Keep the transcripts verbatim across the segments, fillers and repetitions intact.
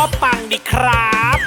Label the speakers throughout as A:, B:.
A: ปังดีครับ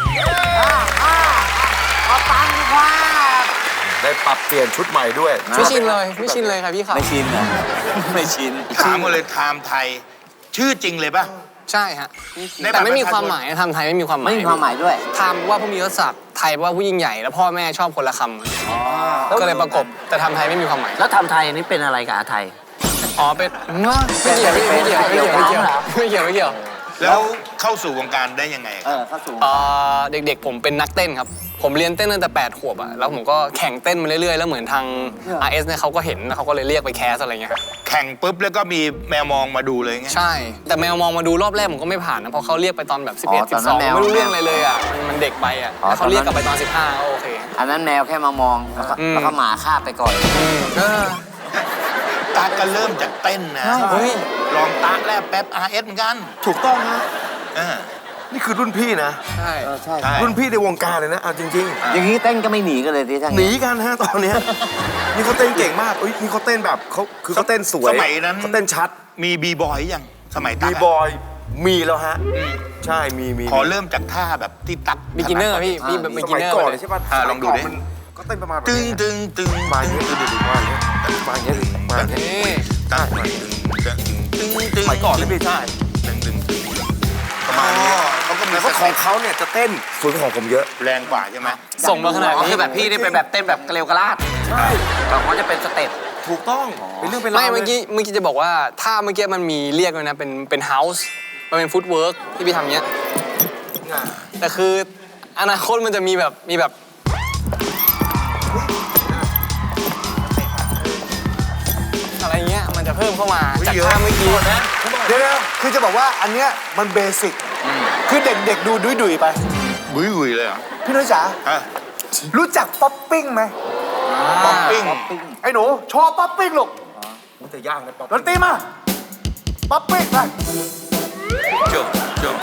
B: มาปังดีกว่า
C: ได้ปรับเปลี่ยนชุดใหม่ด้วย
D: ไม่ชินเลยไม่ชินเลยครับพี่ครับ
B: ไม่ชินเหรอไม่ชิน
E: ถามมาเลยไทม์ไทยชื่อจริงเลยป่ะ
D: ใช่ฮะแต่ไม่มีความหมายทำไทยไม่มีความหมาย
B: ไม่มีความหมายด้วย
D: ทำว่าผู้มียศศักดิ์ไทยว่าผู้ยิ่งใหญ่แล้วพ่อแม่ชอบคนละคำก็เลยประกบแต่ทำไทยไม่มีความหมาย
B: แล้วทำไทยนี่เป็นอะไรกับอาไทย
D: อ๋อเป็นไม่เกี่ยวไม่เกี่ยวไม่เกี่ยวไม่เกี่ยวไม่เกี่ยวไม่เกี่ยว
E: แล้วเข้าสู่วงการได้ยังไง
B: เออเข้าสู่
D: เด็กๆผมเป็นนักเต้นครับผมเรียนเต้นตั้งแต่แปดขวบอะแล้วผมก็แข่งเต้นมาเรื่อยๆแล้วเหมือนทาง อาร์ เอส เนี่ยเขาก็เห็นแล้วเขาก็เลยเรียกไปแคสอะไรเงี้ย
E: แข่งปุ๊บแล้วก็มีแมวมองมาดูเลยไง
D: ใช่แต่แมวมองมาดูรอบแรกผมก็ไม่ผ่านนะเพราะเขาเรียกไปตอนแบบสิบเอ็ด สิบสองไม่รู้เรื่องอะไรเลยอะมันเด็กไปอะเขาเรียกกลับไปตอนสิบห้าก็โอเค
B: อันนั้นแมวแค่มามองแล้วก็หมาคาบไปก่อน
E: ตาก็เริ่มจากเต้นนะลองตาแรกแป๊บ อาร์ เอส เหมือนกัน
C: ถูกต้องฮะนี่คือรุ่นพี่นะ
D: ใช่
B: ใช่
C: รุ่นพี่ในวงการเลยนะเอาจริง
B: ๆอย่างนี้เต้นก็ไม่หนีกันเลยที่ทั้ง
C: หนีกันฮะตอนนี้นี่เขาเต้นเก่งมากอุ้ยนี่เขาเต้นแบบเขาคือเขาเต้นสวย
E: สมัยนั้น
C: เขาเต้นชัด
E: มีบีบอยยังสมัยตั
C: กบีบอยมีแล้วฮะใช่มีมี
E: ขอเริ่มจากท่าแบบที่ตัก
D: บิ๊กินเนอร์พี่พี่แบบบิ๊กินเนอร์
C: ก่อนใช่ป่ะ
E: ลองดูดิ
C: ก็เต้นประมาณ
E: ตึงตึงตึง
C: มาเยอะตึงมาเยอะมาเยอะมาเยอะ
E: ตั้งตึงตึงตึง
C: สมัยก่อนไม่ใช่
E: ตึงตึงตึงประมาณนี้
C: เขาก็มีแต่ของเขาเนี่ยจะเต้นสวยกว่าของผมเยอะ
E: แรงกว่าใช่ไหม
D: ส่งมาขนาดนี้
B: คือแบบพี่นี่เป็นแบบเต้นแบบเกลียวกระลาด
C: ใช่
B: แต่เขาจะเป็นสเต็ป
C: ถูกต้องเป็นเรื่องเป็นราว
D: ไม่เมื่อกี้เมื่อกี้จะบอกว่าถ้าเมื่อกี้มันมีเรียกเลยนะเป็นเป็นเฮาส์มันเป็นฟุตเวิร์กที่พี่ทำเนี้ยแต่คืออนาคตมันจะมีแบบมีแบบอะไรเงี้ยมันจะเพิ่มเข้ามาจากท่าเมื่อกี้
C: นะเดี๋ยวคือจะบอกว่าอันเนี้ยมันเบสิกคือเด็กๆดูดุยๆไป
E: ดุยๆเลยเหรอ
C: พี่น้อยจ๋ารู้จักป๊อปปิ้งไหม
E: ป๊อปปิ้ง
C: ไอ้หนูชอบป๊อปปิ้งลูกมันจะยากนะป๊อปดนตรีมาป๊อปปิ้งไป
E: จบจบ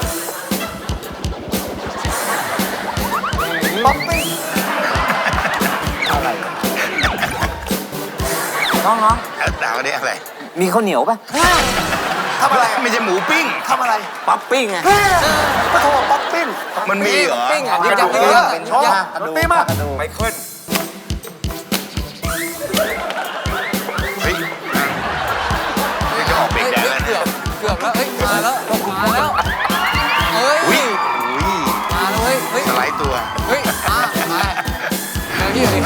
C: ป๊อปปิ้งอะไร
B: น้องน้อง
E: ดาวนี่อะไร
B: มีข้าวเหนียวป่ะ
C: ทำอะไร
E: ไม่ใช่หมูปิ้ง
C: ทำอะไร
B: ป๊อปปิ้งไง
C: ก็โทรป๊อปปิ้ง
E: มันมีเหรอ
D: ปิ้งอ่ะ
C: กระดูกเยอะชอบดนตรีมาไมเคิล
E: เฮ้ยจะออกเบรกแดนแล้วเนี่ย
D: เกือบแล้วเฮ้ยมาแล้วมาแล้วเฮ้ย
E: อุ้ย
D: มาแล้วเฮ้ยเฮ้ย
E: สไลด์ตัว
D: เฮ้ยมามาเดี๋ยวพี่เดี๋ยว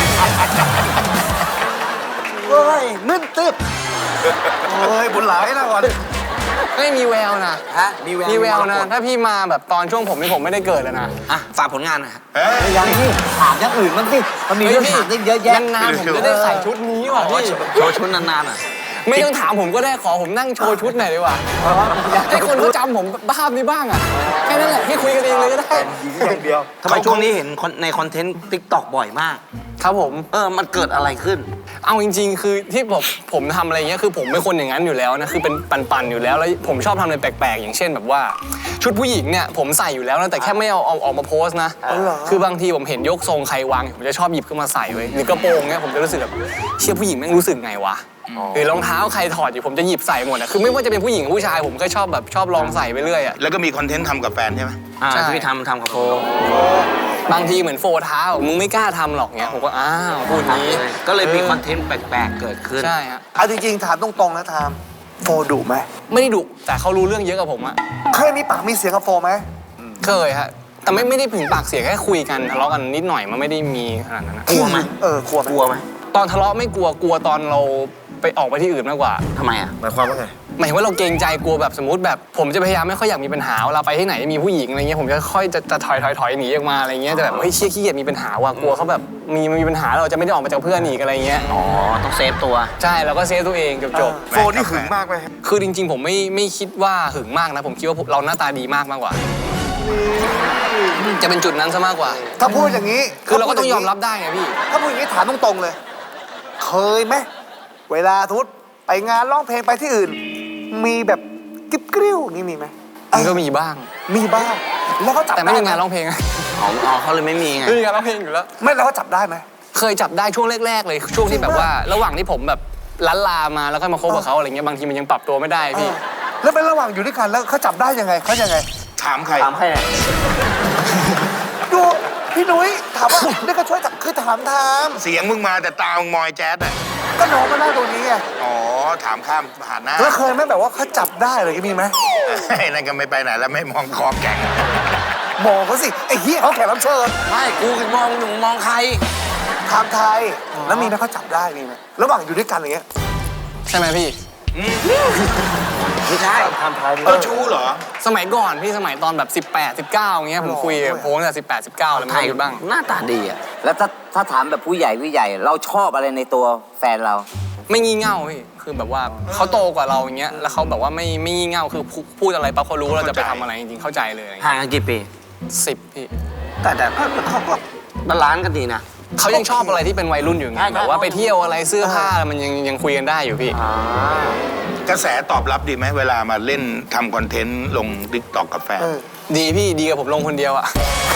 C: เฮ้ยมึนตึ๊บเฮ้ยบุญหลายนะก่อน
D: ไม่มีแววนะ
B: ฮะมีแวว
D: มีแววนะถ้าพี่มาแบบตอนช่วงผมนี่ผมไม่ได้เกิดแล้วนะ
B: อ่ะฝากผลงานนะยังที่ถามอย่างอื่นมันสิมันมีเรื่องถามเยอะแยะ
D: นานๆผมจะได้ใส่ชุดนี้ว่ะพี่
B: โชว์ชุดนานๆอ่ะ
D: ไม่ต้องถามผมก็ได้ขอผมนั่งโชว์ชุดหน่อยดีกว่าให้คนเขาจำผมภาพนี้บ้างอ่ะแค่นั้นแหละพี่คุยกันเองเลยก็ได้
C: อย่างเดียว
B: ทำไมช่วงนี้เห็นในคอนเทนต์ติ๊กต็อกบ่อยมาก
D: ครับผม
B: เออมันเกิดอะไรขึ้น
D: เอาจริงๆคือที่ผมผมทำอะไรเงี้ยคือผมเป็นคนอย่างนั้นอยู่แล้วนะคือเป็นปันๆอยู่แล้วแล้วผมชอบทำอะไรแปลกๆอย่างเช่นแบบว่าชุดผู้หญิงเนี่ยผมใส่อยู่แล้วนะแต่แค่ไม่เอาเอาออกมาโพสนะคือบางทีผมเห็นยกทรงใครวางผมจะชอบหยิบขึ้นมาใส่ไว้หรือกระโปรงเนี่ยผมจะรู้สึกแบบเชี่ยผู้หญิงแม่งรู้สึกไงวะหรือรองเท้าใครถอดอยู่ผมจะหยิบใส่หมดอะคือไม่ว่าจะเป็นผู้หญิงหรือผู้ชายผมก็ชอบแบบชอบลองใส่ไปเรื่อยอะ
E: แล้วก็มีคอนเทนต์ทำกับแฟนใช่ไหม
B: ใช่ที่ทำทำกับโฟ
D: บางทีเหมือนโฟเท้ามึงไม่กล้าทำหรอกเงี้ยผมก็อ้าวพูดนี้
B: ก็เลยมีคอนเทนต์แปลกๆเกิดขึ้น
D: ใช่ฮะ
C: เอาจริงๆถามตรงๆนะทามโฟดุไหม
D: ไม่ได้ดุแต่เขารู้เรื่องเยอะกับผมอะ
C: เคยมีปากมีเสียงกับโฟไหม
D: เคยฮะแต่ไม่ไม่ได้ถึงปากเสียงแค่คุยกันทะเลาะกันนิดหน่อยมันไม่ได้มีขนาดนั้น
B: กลัวไหม
C: เออกลัวไหม
B: กลัวไหม
D: ตอนทะเลาะไม่กลัวกลัวตอนเราไปออกไปที่อื่นมากกว่า
B: ทำไมอ่ะ
C: หมายความว่าไง
D: หมายถึงว่าเราเกรงใจกลัวแบบสมมติแบบผมจะพยายามไม่ค่อยอยากมีปัญหาเวลาไปที่ไหนมีผู้หญิงอะไรเงี้ยผมจะค่อยจะจะถอยถอยถอยหนีออกมาอะไรเงี้ยแต่แบบเฮ้ยเชี่ยขี้เกียจมีปัญหาว่ะกลัวเขาแบบมีมีปัญหาเราจะไม่ได้ออกมาจากเพื่อนอีกอะไรเงี้ย
B: อ๋อต้องเซฟตัว
D: ใช่เราก็เซฟตัวเองจบจบ
C: โฟนี่หึงมากไหม
D: คือจริงๆผมไม่ไม่คิดว่าหึงมากนะผมคิดว่าเราหน้าตาดีมากมากกว่าจะเป็นจุดนั้นซะมากกว่า
C: ถ้าพูดอย่างนี้
D: คือเราก็ต้องยอมรับได้ไงพี่
C: ถ้าพูดอย่างนี้ถามตรงๆเลยเคยไหมเวลาทุกไปงานร้องเพลงไปที่อื่นมีแบบกิ๊บกริ้วนี่มีไหม
D: มันก็มีบ้าง
C: มีบ้างแล้วก็จับ
D: แต่ไม่มีงานร้องเพลง
B: อ๋อเขาเลยไม่มีไง
D: ไม่มีงานร้องเพลงอยู่แล้ว
C: ไม่แล้วก็จับได้ไหม
D: เคยจับได้ช่วงแรกๆเลยช่วงที่แบบว่าระหว่างที่ผมแบบล้านลามาแล้วก็มาคบกับเขาอะไรเงี้ยบางทีมันยังปรับตัวไม่ได้พี่
C: แล้วเป็นระหว่างอยู่ด้วยกันแล้วเขาจับได้ยังไงเขายังไง
E: ถามใคร
B: ถามใครเนี่ย
C: ดูพี่นุ้ยถามว่านี่ก็ช่วยคือถามทาม
E: เสียงมึงมาแต่ตามึงมอยแจ๊ดอ่ะ
C: ก็น้องมานั่งตรงนี้ไง
E: อ๋อ ถามข้ามผ่านหน้า
C: แล้วเคยไหมแบบว่าเขาจับได้เลยมีไหม
E: ไอ้นั่นก็ไม่ไปไหนแล้วไม่มองคอแข็ง
C: มองเขาสิไอ้เหี้ยเขาแขกรับเชิญ
B: ไม่กูมองหนูมองใคร
C: ถามไทยแล้วมีไหมเขาจับได้มีไหมระหว่างอยู่ด้วยกันอย่างเงี้ย
D: ใช่ไหมพี่
B: ไม่ใช่ทำไทย
E: เออชู้เหรอ
D: สมัยก่อนพี่สมัยตอนแบบสิบแปด สิบเก้าอย่างเงี้ยผมคุยกับโพสต์แต่สิบแปด สิบเก้าแล้วไม่ได้หยุดบ้าง
B: หน้าตาดีอ่ะแล้วถ้าถ้าถามแบบผู้ใหญ่ผู้ใหญ่เราชอบอะไรในตัวแฟนเรา
D: ไม่งี่เง่าพี่คือแบบว่าเขาโตกว่าเราอย่างเงี้ยแล้วเขาแบบว่าไม่ไม่งี่เง่าคือพูพูดอะไรปั๊บเขารู้เราจะไปทำอะไรจริงๆเข้าใจเลยอะไร
B: ห่าง
D: เงี้ย
B: กันกี่ปี
D: สิบพี่
B: แต่แต่ก็เขาก็บาลานซ์กันดีนะ
D: เขายังชอบอะไรที่เป็นวัยรุ่นอยู่ไง
B: ใช่ใช่
D: แบบว่าไปเที่ยวอะไรเสื้อผ้ามันยังยังคุยกันได้อยู่พี่
B: อ่าก
E: ระแสตอบรับดีไหมเวลามาเล่นทำคอนเทนต์ลงดิกตอกกับแฟน
C: เออ
D: ดีพี่ดีกับผมลงคนเดียวอะ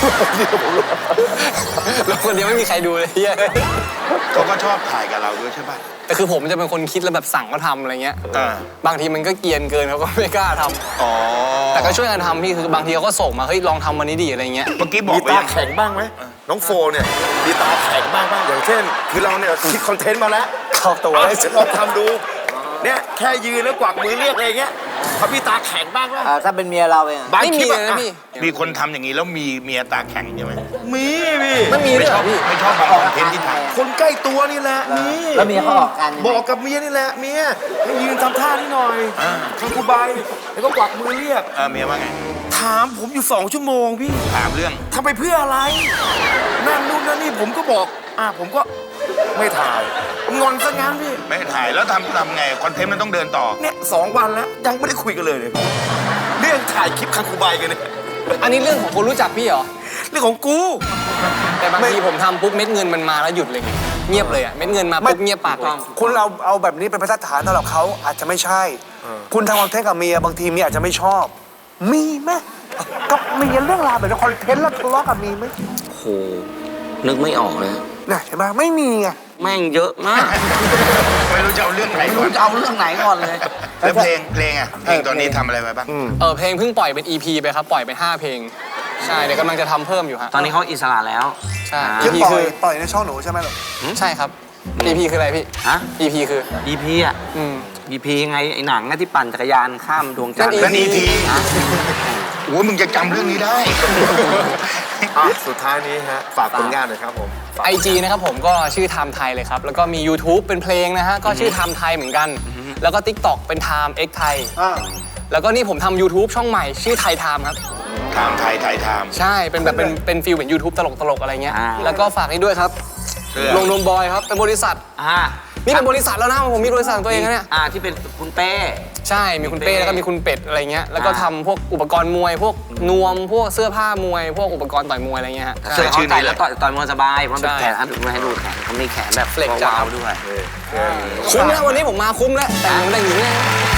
D: ลงคนเดียวไม่มีใครดูเลยเฮีย
E: เขาก็ชอบถ่ายกับเราด้วยใช่ป่ะ
D: แต่คือผมจะเป็นคนคิดแล้วแบบสั่งเขาทำอะไรเงี้ย
E: อ่า
D: บางทีมันก็เกรียนเกินเขาก็ไม่กล้าทำ
E: อ๋อ
D: แต่ก็ช่วยกันทำพี่คือบางทีเขาก็ส่งมาเฮ้ยลองทำวันนี้ดีอะไรเงี้ย
E: เมื่อกี้บอก
A: มี
E: ไป
A: ตา
E: ยัง
A: แข็งบ้างไหมน้องโฟเนี่ยมีตาแข็งบ้างบ้างอย่างเช่น คือเราเนี่ยคิดคอนเทนต์มาแล้ว
C: เข้าตัว
A: เอา
C: ได้
A: ฉันลองทำดูเนี่ยแค่ยืนแล้วกวักมือเรียกอะไรอย่างเงี้ยเขามีตาแข็งบ้างไหม
B: อ่าถ้าเป็นเมียเราเอง
A: บาง
D: ไม่
A: คลิ
D: มี
A: ป
D: เลย
A: อะ
D: นะพี่
E: มีคนทำอย่างนี้แล้วมีเมียตาแข็งใช่ไหม
A: มีพี่
D: ไม่มีด้วยเหรอพี่
E: ไม่ชอบบางคอนเทนต์ที่ถ่าย
A: คนใกล้ตัวนี่แหละนี่
B: แล้วเมียเขาออกกันยังไง
A: บอกกับเมียนี่แหละเมียให้ยืนทำท่านี่หน่อยทำกูใบแล้วก็กวักมือเรียก
E: เออเมียว่าไง
A: ถามผมอยู่สองชั่วโมงพี่
E: ถามเรื่อง
A: ทำไปเพื่ออะไรนั่นนู่นนั่นนี่ผมก็บอกอ่ะผมก็ไม่ถ่ายงอนซะงั้นพี่
E: ไม่ถ่ายแล้วทำทำไงคอนเทนต์มันต้องเดินต่อ
A: เนี่ยสองวันแล้วยังไม่ได้คุยกันเลยเลยเรื่องถ่ายคลิปคังคูใบกันเนี่ย
D: อันนี้เรื่องของคนรู้จักพี่เหรอ
A: เรื่องของกู
D: แต่บางทีผมทำปุ๊บเม็ดเงินมันมาแล้วหยุดเลยไงเงียบเลยอะเม็ดเงินมาปุ๊บเงียบปากเลย
C: คุณเอาเอาแบบนี้เป็นมาตรฐานสำหรับเขาอาจจะไม่ใช่ คุณทำคอนเทนต์กับเมียบางทีเมียอาจจะไม่ชอบ มีไหมกับเมียเรื่องราวแบบนี้คอนเทนต์แล้วทะเลาะกันมีไหม
B: โหนึกไม่ออกเลย
C: น่ะเห็นไหมไม่มีไง
B: แม่งเยอะมาก
E: ไม่รู้จะเอาเรื่องไหน
B: ไม่
E: ก่
B: รู้
E: อน
B: จะเอาเรื่องไหนก่อนเลย
E: แล้วเพลงเพลงอ่ะเพลงตอนนี้ทำอะไรไปบ้าง
D: เออเพลงเพิ่งปล่อยเป็น อี พี ไปครับปล่อยไปห้าเพลงใช่เดี๋ยวกำลังจะทำเพิ่มอยู่ฮะ
B: ตอนนี้เขาอิสระแล้ว
D: ใช่
B: อ่า
C: คือ
D: อี
C: ปล่
D: คื
C: อย
D: อ
C: ปล่อยในช่องหนูใช่ไหมหรอ
D: ใช่ครับ อี พี คืออะไรพี่
B: ฮะ
D: อี พี คือ
B: อีพีอ่ะ
D: อืม
B: อีพีไงไอ้หนังอะที่ปั่นจักรยานข้ามดวงจันทร์
D: นั่น
E: นั่น
D: EP
E: อีพีโอ้ยมึงจะจำเรื่องนี้ได้
A: อ่ะสุดท้ายนี้ฮะฝากผลงานหน่อยครับผม
D: ไอจีนะครับผมก็ชื่อไทม์ไทยเลยครับ แล้วก็มี YouTube เป็นเพลงนะฮะ ก็ชื่อไทม์ไทยเหมือนกัน แล้วก็ TikTok เป็น Time X ไทย แล้วก็นี่ผมทำ YouTube ช่องใหม่ชื่อไทยไทม์ครับ
E: ถามไทยไทยถาม
D: ใช่ เป็นแบบเป็นเป็นฟิลเหมือน YouTube ตลกตลกๆอะไรเงี้ย
B: อ่า
D: แล้วก็ฝากนี้ด้วยครับ
E: เสื้อ
D: ลงนมบอยครับ เป็นบริษัท
B: อ่า
D: นี่เป็นบริษัทแล้วนะผมมีบริษัทของตัวเองนะเนี่ย
B: อ่าที่เป็นคุณเป้
D: ใช่ มีคุณเป้แล้วก็มีคุณเป็ดอะไรเงี้ย แล้วก็
B: อ่า
D: ทำพวกอุปกรณ์มวย พวกนวม พวกเสื้อผ้ามวย พวกอุปกรณ์ต่อยมวยอะไรเงี้ยฮะ
B: เสื้อ
D: ใช่
B: เขาใส่แล้วต่อยต่อยมวยสบายเพราะเป็น
D: ใช่
B: แขนให้ดูให้ดูแขนเขามีแขนแบบ
D: เฟล็กจัด
B: วาวๆด้วย
D: คุ้มแล้ววันนี้ผมมาคุ้มแล้ว แต่งแต่งหญิงเนี่ย